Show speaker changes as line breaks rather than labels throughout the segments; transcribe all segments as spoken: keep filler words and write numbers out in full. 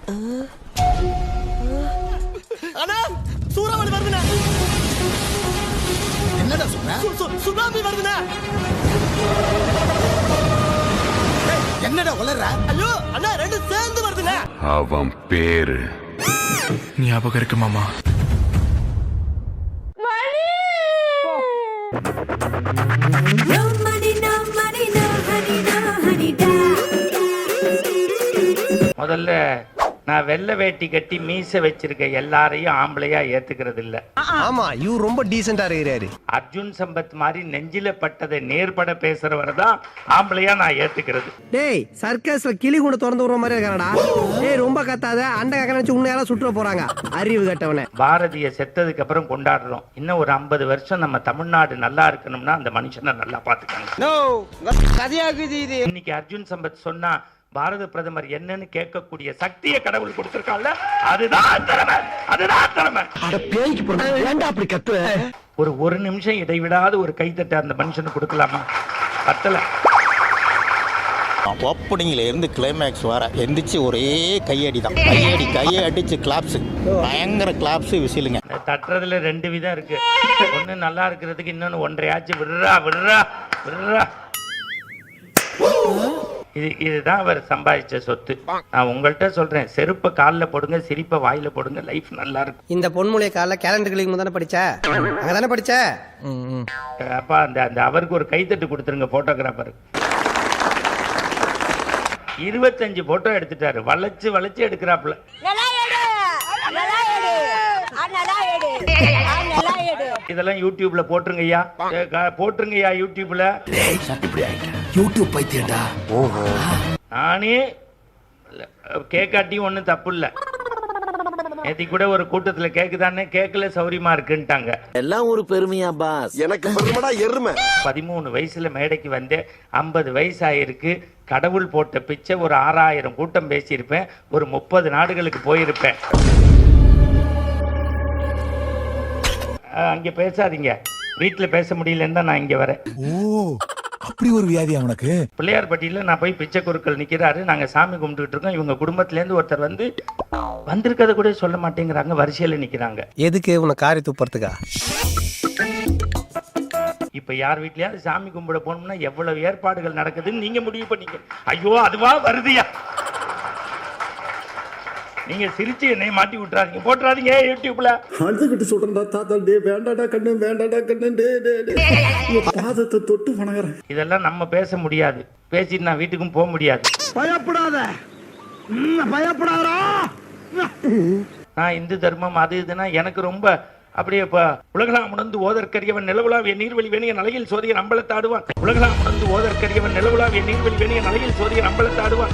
அண்ணா சூறாவளி வருதுண்ணா.
என்னடா சொல்ற?
சுனாமி வருதுண்ணா.
என்னடா உளற?
ஐயோ அண்ணா ரெண்டு சேர்ந்து வருதுண்ணா.
அவன் பேரு
ஞாபகம் இருக்கு மாமா.
முதல்ல நான் வெள்ளை வேட்டி கட்டி மீசை வச்சிருக்க எல்லாரையும் ஆம்பளையா ஏத்துக்கிறது இல்ல.
ஆமா இவர் ரொம்ப டீசென்டா இருக்கிறாரு.
அர்ஜுன் சம்பத் மாதிரி நெஞ்சில பட்டதை நேர்பட பேசுறவரை தான் ஆம்பளையா நான் ஏத்துக்கிறது.
டேய் சர்க்கஸ்ல கிளி கூட திறந்து விடுற மாதிரி இருக்கானடா. டேய் ரொம்ப கத்தாத, அண்ட கக்க நினைச்சு உன்னையால சுற்ற போறாங்க அறிவு கட்டவனே.
பாரதிய செத்ததுக்கு அப்புறம் கொண்டாடுறோம். இன்னும் ஒரு ஐம்பது வருஷம் நம்ம தமிழ்நாடு நல்லா இருக்கணும்னா அந்த மனுஷனை நல்லா பாத்துக்காங்க. இன்னைக்கு அர்ஜுன் சம்பத் சொன்னா பாரத பிரதமர் என்னன்னு கேட்கக்கூடிய சக்தியை கடவுள் கொடுத்திருக்கான்ல, அதுதான் திறமை, அதுதான் திறமை.
அப்படி கத்து
ஒரு ஒரு நிமிஷம் இடைவிடாத ஒரு கைத்தட்ட அந்த மனுஷனுக்கு கொடுக்கலாமா? பத்தல.
ஓப்பனிங்ல இருந்து கிளைமேக்ஸ் வர எந்திரிச்சு ஒரே கையடி தான். கையடி கையை அடிச்சு கிளாப்ஸ், பயங்கர கிளாப்ஸ், விசிலுங்க.
தட்டுறதுல ரெண்டு விதம் இருக்கு. ஒண்ணு நல்லா இருக்கிறதுக்கு, இன்னொன்னு ஒன்றையாச்சும் விடுறா விடுறா விடுறா. இது இதுதான் அவர் சம்பாதிச்ச சொத்து. நான் உங்கள்கிட்ட சொல்றேன், செருப்பை காலில் போடுங்க, சிரிப்பை வாயில போடுங்க, லைஃப் நல்லா இருக்கும்.
இந்த பொன்முளைய கால கேலண்டர் கிளிக்கு தானே படிச்ச, அங்கதானே படிச்ச.
அப்பா அந்த அந்த அவருக்கு ஒரு கைத்தட்டு கொடுத்துருங்க போட்டோகிராஃபர். இருபத்தஞ்சு போட்டோ எடுத்துட்டாரு, வளைச்சு வளைச்சு எடுக்கிறாப்புல. இதெல்லாம் யூடியூப்ல போட்டுருங்கய்யா, போட்டுருங்கய்யா யூடியூப்ல.
யூடியூப் பைத்தியடா.
ஓஹோ. நானே கேக்காட்டியும் ஒன்றும் தப்பு இல்லை. நேத்தி கூட ஒரு கூட்டத்தில் கேக்குதானே, கேட்கல சௌரியமா இருக்குன்ட்டாங்க.
எல்லாம் ஒரு பெருமையா பாஸ்?
எனக்கு பெருமைடா எருமை.
பதிமூணு வயசுல மேடைக்கு வந்து ஐம்பது வயசு ஆயிருக்கு. கடவுள் போட்ட பிச்சை ஒரு ஆறாயிரம் கூட்டம் பேசியிருப்பேன், ஒரு முப்பது நாடுகளுக்கு போயிருப்பேன். அங்க பேசாதீங்க, வீட்டுல பேச முடியலன்னு தான் நான் இங்க வரேன்.
ஓ அப்படி ஒரு வியாதி அவனுக்கு.
பிள்ளையார்பட்டியில நான் போய் பிச்சை குருக்கள் நிக்கிறாரு, நாங்க சாமி கும்பிட்டுட்டு இருக்கோம். இவங்க குடும்பத்துல இருந்து ஒருத்தர் வந்து வந்திருக்கத கூட சொல்ல மாட்டேங்கிறாங்க, வரிசையில நிக்கிறாங்க.
எதுக்கு உன காரி துப்புறதுக்கா?
இப்ப யார் வீட்லயாவது சாமி கும்பிட போனோம்னா எவ்வளவு ஏற்பாடுகள் நடக்குதுன்னு நீங்க முடிவு பண்ணீங்க. ஐயோ அதுவா வருதுயா. நீங்க சிரிச்சு என்னை மாட்டி விட்டுறாதீங்க, போட்டுறாதீங்க யூடியூப்ல.
அழுதுகிட்டு சொல்றா தாத்தா, டே வேண்டாடா கண்ணு, வேண்டாடா கண்ணு, டே டே டே பாதத்தை தொட்டு வணங்குறேன்.
இதெல்லாம் நம்ம பேச முடியாது, பேசிட்டு நான் வீட்டுக்கும் போக முடியாது.
பயப்படாத, பயப்படாதா.
நான் இந்து தர்மம் அது இதுனா எனக்கு ரொம்ப அப்படியே இப்ப உலகலாம் உணர்ந்து ஓதற்கரியவன் நிலவுலாவிய நீர்வழி வேணிய நலையில் சோதிய நம்பளத்தாடுவான். உலகலாம் உணர்ந்து ஓதற்கரியவன் நிலவுலாவிய நீர்வழி வேணிய நலையில் சோதிய நம்பளத்தாடுவான்.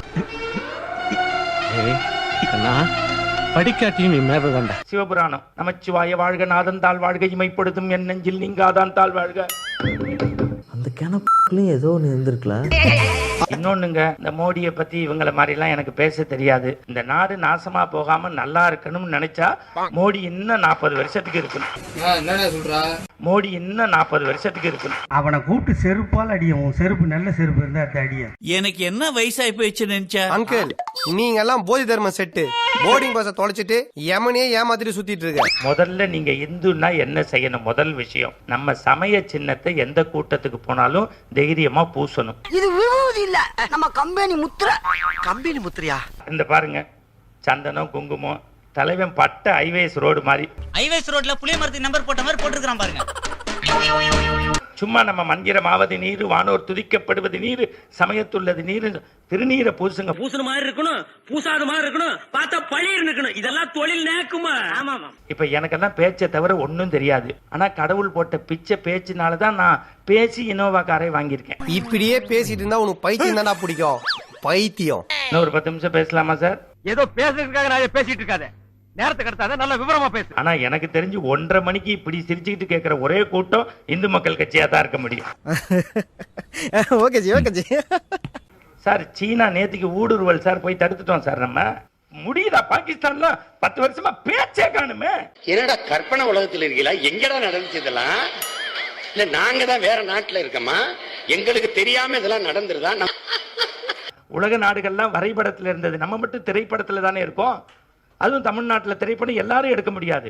படிக்காட்டியும் மேலதாண்டா.
சிவபுராணம். நமச்சிவாய வாழ்க, நாதன் தாழ் வாழ்க, இமைப்படுத்தும் என் நெஞ்சில் நீங்காதான் தாழ் வாழ்க.
அந்த கிணப்புலையும் ஏதோ ஒன்று இருந்திருக்கலாம்.
இன்னொன்னுங்க, இந்த மோடியை பத்தி இவங்கள மாதிரி எல்லாம் எனக்கு பேச தெரியாது. இந்த நாடு நாசமா போகாம நல்லா இருக்கணும்னு நினைச்சா மோடி இன்னும் நாற்பது வருஷத்துக்கு இருக்கணும். மோடி இன்னும் நாற்பது வருஷத்துக்கு இருக்கணும்.
அவனை கூப்பிட்டு செருப்பால் அடியும். செருப்பு நல்ல செருப்பு இருந்தா அடிய.
எனக்கு என்ன வயசாகி போயிடுச்சு நினைச்சா?
அங்கிள் நீங்க எல்லாம் போதி தர்ம செட்டு போர்டிங் பஸ்ஸை தொலைச்சிட்டு யமனே ஏமாத்திட்டு சுத்திட்டு இருக்க.
முதல்ல நீங்க இந்துன்னா என்ன செய்யணும்? முதல் விஷயம், நம்ம சமய சின்னத்தை எந்த கூட்டத்துக்கு போனாலும் தைரியமா பூசணும்.
இது விபூதி இல்ல, நம்ம கம்பெனி முத்திரை. கம்பெனி முத்திரையா?
இந்த பாருங்க, சந்தனம் குங்குமம், தலைவன் பட்ட ஹைவேஸ் ரோடு மாதிரி.
ஹைவேஸ் ரோட்ல புளிய மரத்துக்கு நம்பர் போட்ட மாதிரி போட்டுருக்கான் பாருங்க.
சும்மா நம்ம மந்திரமாவது நீர், வானோர் துதிக்கப்படுவது நீர், சமயத்துள்ளது நீர், திருநீரை பூசுங்க.
பூசண மாதிரி இருக்கணும், பூசாத மாதிரி இருக்கணும், பார்த்தா பழிர் இருக்கணும். இதெல்லாம் தொழில் நேக்குமா? ஆமா.
இப்ப எனக்கெல்லாம் பேச்சை தவிர ஒன்னும் தெரியாது. ஆனா கடவுள் போட்ட பிச்சை பேச்சினாலதான் நான் பேசி இனோவா காரை வாங்கியிருக்கேன்.
இப்படியே பேசிட்டு இருந்தா உனக்கு பைத்தியம் தானே பிடிக்கும். பைத்தியம்.
இன்னும் ஒரு பத்து நிமிஷம் பேசலாமா சார்?
ஏதோ பேசுறதுக்காக நான் பேசிட்டு இருக்காத, நேரத்துக்கு அடுத்தாத நல்ல விவரமா பேசு.
ஆனா எனக்கு தெரிஞ்சு ஒன்றரை மணிக்கு இப்படி சிரிச்சுக்கிட்டு கேட்கிற ஒரே கூட்டம் இந்து மக்கள் கட்சியா தான் இருக்க முடியும்.
Okay ji, okay ji.
Sir China நேத்துக்கு ஊடுருவல் சார், போய் தடுத்துட்டோம் சார். நம்ம முடியுதா? பாகிஸ்தான்ல பத்து வருஷமா பேச்சே காணுமே.
என்னடா கற்பனை உலகத்தில் இருக்கீங்களா? எங்கடா நடந்துச்சு இதெல்லாம்? இல்ல நாங்க தான் வேற நாட்டுல இருக்கோமா? எங்களுக்கு தெரியாம இதெல்லாம் நடந்துருதா?
உலக நாடுகள்லாம் வரைபடத்தில் இருந்தது, நம்ம மட்டும் திரைப்படத்தில் தானே இருக்கோம். அதுவும் தமிழ்நாட்டில் திரைப்படம் எல்லாரும் எடுக்க முடியாது.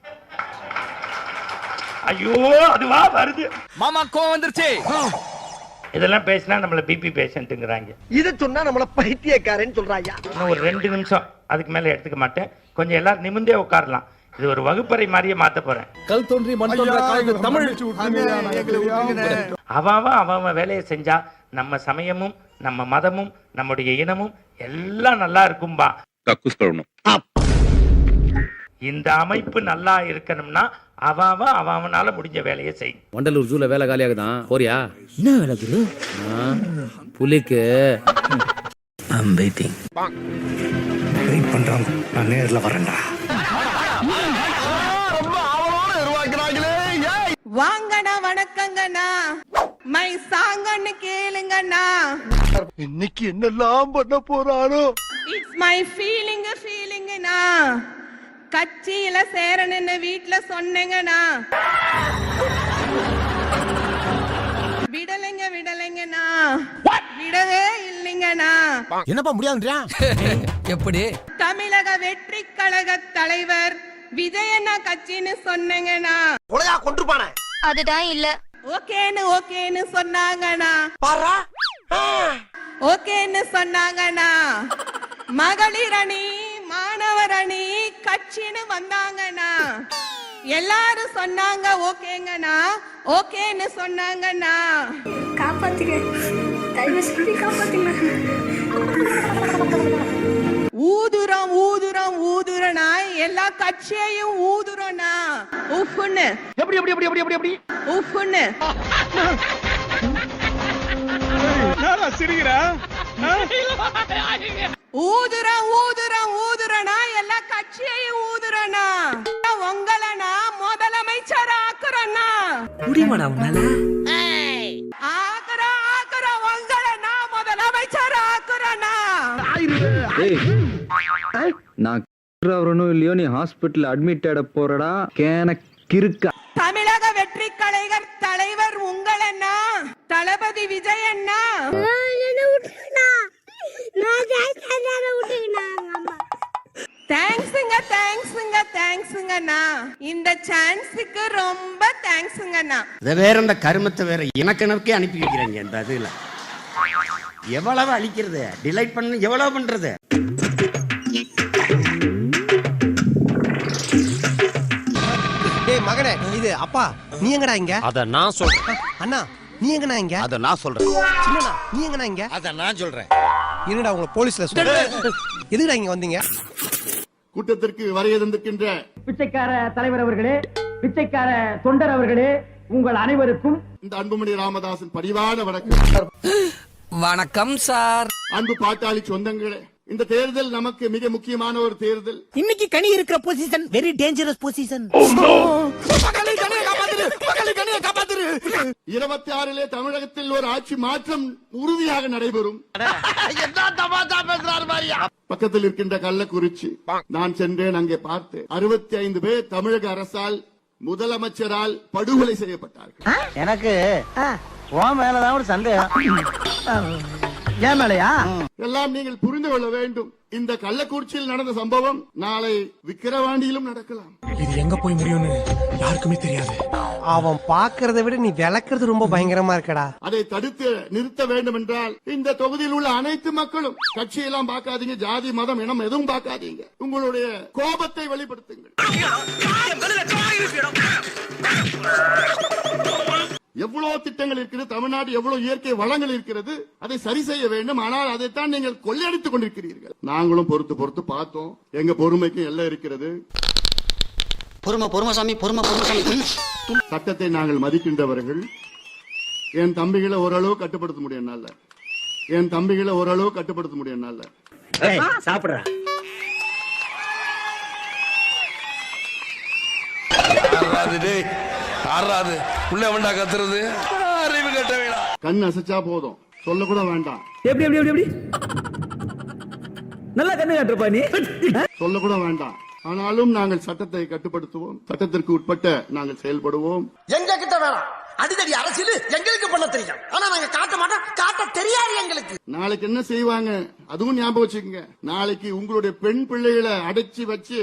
ஐயோ அதுவா வருது
மாமா கோவம் வந்துருச்சு.
இதெல்லாம் பேசினா நம்மள பிபி பேஷண்ட்டுங்கிறாங்க.
இத சொன்னா நம்மள பைத்தியக்காரன்னு சொல்றாயா.
இன்னும் ஒரு ரெண்டு நிமிஷம், அதுக்கு மேல எடுத்துக்க மாட்டேன். கொஞ்சம் எல்லாரும் நிமிந்தே உட்காரலாம். இது ஒரு வகுப்பறை மாதிரியே மாத்த போறேன்.
கல் தோன்றி மண் தோன்ற காலத்து தமிழ்.
அவன் அவன் வேலையை செஞ்சா நம்ம சமயமும் நம்ம மதமும் நம்முடைய இனமும் எல்லாம் நல்லா இருக்கும்பா. இந்த அமைப்பு நல்லா இருக்கணும்னா அவன் அவனால முடிஞ்ச வேலையை செய்.
வண்டலூர் ஜூல வேலை காலியாகுதான் போறியா?
என்ன வேலை குரு?
புலிக்கு
வெயிட் பண்றாங்க, நான் நேர்ல வரேன்டா.
வாங்கண்ணா வணக்கங்கண்ணா, மை சாங்கன்னு கேளுங்கண்ணா.
இன்னைக்கு என்னெல்லாம் பண்ண போறானோ.
இட்ஸ் மை ஃபீலிங் ஃபீலிங்ண்ணா. கட்சியில சேரணுன்னு வீட்டுல சொன்னேங்கண்ணா. விடலைங்க விடலைங்கண்ணா, விடவே இல்லைங்கண்ணா.
என்னப்பா முடியாதுன்றா? எப்படி?
தமிழக வெற்றி கழக தலைவர் விஜயண்ணா கட்சின்னு சொன்னேங்கண்ணா.
கொலையா கொன்றுபானே.
அதுதான் இல்ல. ஓகேன்னு ஓகேன்னு சொன்னாங்கண்ணா.
பாரா
ஓகேன்னு சொன்னாங்கண்ணா. மகளிர் அணி மாணவர் அணி கட்சின்னு வந்தாங்கண்ணா. எல்லாரும் சொன்னாங்க ஓகேங்கண்ணா, ஓகேன்னு சொன்னாங்கண்ணா.
காப்பாத்துங்க, தயவு செஞ்சு காப்பாத்துங்க.
ஊதுறோம் ஊதுறோம் ஊதுறனா, எல்லா கட்சியையும் ஊதுறோம்னா. உஃப்னு
எப்படி எப்படி எப்படி எப்படி எப்படி
உஃப்னு ஊதுறோம் ஊதுறோம் ஊதுறனா, எல்லா கட்சியையும் ஊதுறனா. உங்களனா முதலமைச்சர் ஆக்குறனா.
முடியுமாடா உன்னால?
ஆக்குறோம் ஆக்குறோம் உங்களனா முதலமைச்சர் ஆக்குறனா.
நான் வரணும் இல்லையோ, நீ ஹாஸ்பிட்டல் அட்மிட் ஆட போறடா கேன கிறுக்க.
தமிழக வெற்றி கழக தலைவர் உங்களண்ணா, தளபதி விஜய் அண்ணா. தேங்க்ஸுங்க தேங்க்ஸுங்க தேங்க்ஸுங்கண்ணா. இந்த சான்ஸுக்கு ரொம்ப தேங்க்ஸுங்கண்ணா.
இதை வேற இந்த கருமத்தை வேற இனக்கணக்கே அனுப்பி வைக்கிறாங்க. இந்த இதுல எவ்வளவு அழிக்கிறது, டிலைட் பண்ண எவ்வளவு பண்றது.
டேய் மகனே, இது அப்பா நீ எங்கடா இங்க?
அத நான் சொல்றேன்.
அண்ணா நீ எங்கடா இங்க?
அத நான் சொல்றேன்.
சின்னண்ணா நீ எங்கடா இங்க?
அத நான் சொல்றேன்.
என்னடா உங்களை போலீஸ்ல சொல்ற? எதுக்குடா இங்க வந்தீங்க?
கூட்டத்திற்கு வருகை தந்திருக்கின்ற
பிச்சைக்கார தலைவர் அவர்களே, பிச்சைக்கார தொண்டர் அவர்களே, உங்கள் அனைவருக்கும்
இந்த அன்புமணி ராமதாசன் பரிவான வணக்கம்.
வணக்கம் சார்.
அன்பு பாட்டாளி சொந்தங்களே, இந்த தேர்தல் நமக்கு மிக முக்கியமான ஒரு தேர்தல்.
இன்னைக்கு கனி இருக்கிற பொசிஷன் வெரி டேஞ்சரஸ் பொசிஷன்.
இருபத்தி ஆறிலே தமிழகத்தில் ஒரு ஆட்சி மாற்றம் உறுதியாக நடைபெறும். பக்கத்தில் இருக்கின்ற கள்ளக்குறிச்சி நான் சென்றேன், அங்கே பார்த்தேன். அறுபத்தி ஐந்து பேர் தமிழக அரசால் முதலமைச்சரால் படுகொலை செய்யப்பட்டார்கள்.
எனக்கு உன் மேலதான் ஒரு சந்தேகம். ஏன் மேலையா?
எல்லாம் நீங்கள் புரிந்து கொள்ள வேண்டும். இந்த கள்ளக்குறிச்சியில் நடந்த சம்பவம் நாளை விக்கிரவாண்டியிலும் நடக்கலாம்.
இது எங்க போய் முடியும்னு யாருக்குமே தெரியாது.
அவன் பாக்குறதை விட நீ விளக்குறது ரொம்ப பயங்கரமா இருக்கடா.
அதை தடுத்து நிறுத்த வேண்டும் என்றால் இந்த தொகுதியில் உள்ள அனைத்து மக்களும், கட்சியெல்லாம் பார்க்காதீங்க, ஜாதி மதம் இனம் எதுவும் பார்க்காதீங்க, உங்களுடைய கோபத்தை வெளிப்படுத்துங்கள். எவ்வளவு திட்டங்கள் இருக்கிறது, தமிழ்நாடு எவ்வளவு இயற்கை வளங்கள் இருக்கிறது, அதை சரி செய்ய வேண்டும். ஆனால் அதைத்தான் நீங்கள் கொள்ளையடித்துக் கொண்டிருக்கிறீர்கள். நாங்களும் பொறுத்து பொறுத்து பார்த்தோம். எங்க பொறுமைக்கும் எல்லாம் இருக்கிறது.
பொறுமை பொறுமைசாமி பொறுமை பொறுமைசாமி.
சட்டத்தை நாங்கள் மதிக்கின்றவர்கள். என் தம்பிகளை ஓரளவு கட்டுப்படுத்த முடியும் என்னால. என் தம்பிகளை ஓரளவு கட்டுப்படுத்த முடியும் என்னால.
சாப்பிடுற
கண் அசைச்சா போதும், சொல்ல கூட வேண்டாம்.
எப்படி எப்படி எப்படி எப்படி நல்லா கண்ணு காட்டுறப்பா நீ.
சொல்ல கூட வேண்டாம். ஆனாலும் நாங்கள் சட்டத்தை கட்டுப்படுத்துவோம், சட்டத்திற்கு உட்பட்ட நாங்கள் செயல்படுவோம்.
எங்க கிட்ட வேணாம்,
அடிதடி அரசியல் எங்களுக்கு பண்ண தெரியும், ஆனா நாங்க காட்ட மாட்டோம், காட்ட தெரியாது எங்களுக்கு.
நாளைக்கு என்ன செய்வாங்க அதுவும் ஞாபகம் வச்சுக்கோங்க. நாளைக்கு உங்களுடைய பெண் பிள்ளைகளை அடைச்சி வச்சு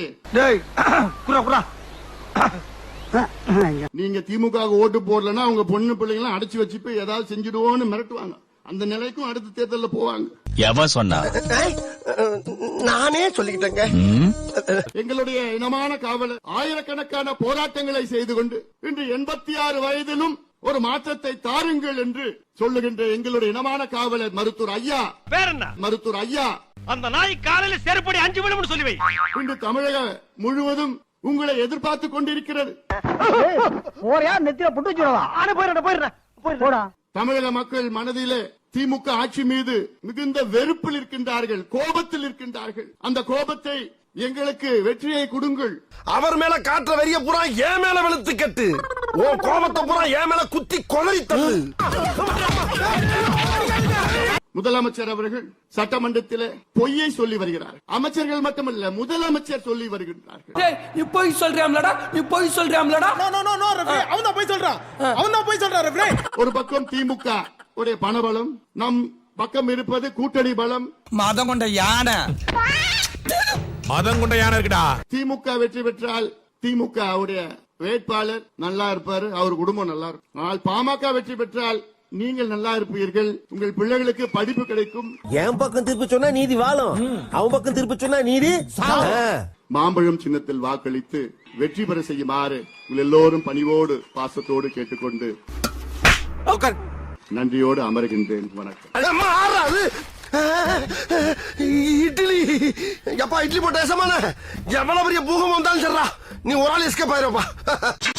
நீங்க திமுக ஓட்டு போடலன்னா உங்க பொண்ணு பிள்ளைங்களை அடைச்சி வச்சு போய் ஏதாவது செஞ்சிடுவோன்னு மிரட்டுவாங்க. அந்த நிலைக்கும் அடுத்த தேர்தலில் போவாங்க.
எவன் சொன்னா?
நானே சொல்லிக்கிட்டேங்க.
எங்களுடைய இனமான காவலர் ஆயிரக்கணக்கான போராட்டங்களை செய்து கொண்டு இன்று எண்பத்தி ஆறு வயதிலும் ஒரு மாற்றத்தை தாருங்கள் என்று சொல்லுகின்ற எங்களுடைய இனமான காவலர் மருத்துவர் ஐயா.
வேற என்ன?
மருத்துவர் ஐயா,
அந்த நாய் காலையில செருப்படி அஞ்சு விழும்னு சொல்லி வை.
இன்று தமிழக முழுவதும் உங்களை எதிர்பார்த்து கொண்டிருக்கிறது. தமிழக மக்கள் மனதிலே திமுக ஆட்சி மீது மிகுந்த வெறுப்பில் இருக்கின்றார்கள், கோபத்தில் இருக்கின்றார்கள். அந்த கோபத்தை எங்களுக்கு வெற்றியை கொடுங்கள்.
அவர் மேல காட்டுற வெறிய பூரா ஏன் மேல வெளுத்து கட்டு, ஓ கோபத்தை பூரா ஏன் மேல குத்தி கொலரி தள்ளு. முதலமைச்சர் அவர்கள் சட்டமன்றத்திலே பொய்யை சொல்லி வருகிறார். அமைச்சர்கள் மட்டுமல்ல, முதலமைச்சர் சொல்லி வருகின்றார்கள். நீ போய் சொல்றியாம்லடா, நீ போய் சொல்றியாம்லடா.
அவன் போய் சொல்றான், அவன் போய் சொல்றான்.
ஒரு பக்கம் திமுக உடைய பணபலம், நம் பக்கம் இருப்பது கூட்டணி பலம்.
மதம் கொண்ட யானை,
மதம் கொண்ட யானை இருக்குடா.
திமுக வெற்றி பெற்றால் திமுக உடைய வேட்பாளர் நல்லா இருப்பாரு, அவர் குடும்பம் நல்லா இருக்கும். ஆனால் பாமக வெற்றி பெற்றால் நீங்கள் நல்லா இருப்பீர்கள், உங்கள் பிள்ளைகளுக்கு படிப்பு கிடைக்கும்.
என் பக்கம் திருப்பி சொன்னா நீதி வாழும், அவன் பக்கம் திருப்பி சொன்னா நீதி.
மாம்பழம் சின்னத்தில் வாக்களித்து வெற்றி பெற செய்யுமாறு உங்கள் எல்லோரும் பணிவோடு பாசத்தோடு கேட்டுக்கொண்டு நன்றியோடு அமர்கின்றேன். வணக்கம்.
இட்லி எப்பா, இட்லி போட்ட எவ்வளவு பெரிய பூகம் வந்தாலும் சரிடா, நீ ஒரு ஆள் எஸ்கேப் ஆயிருப்பா.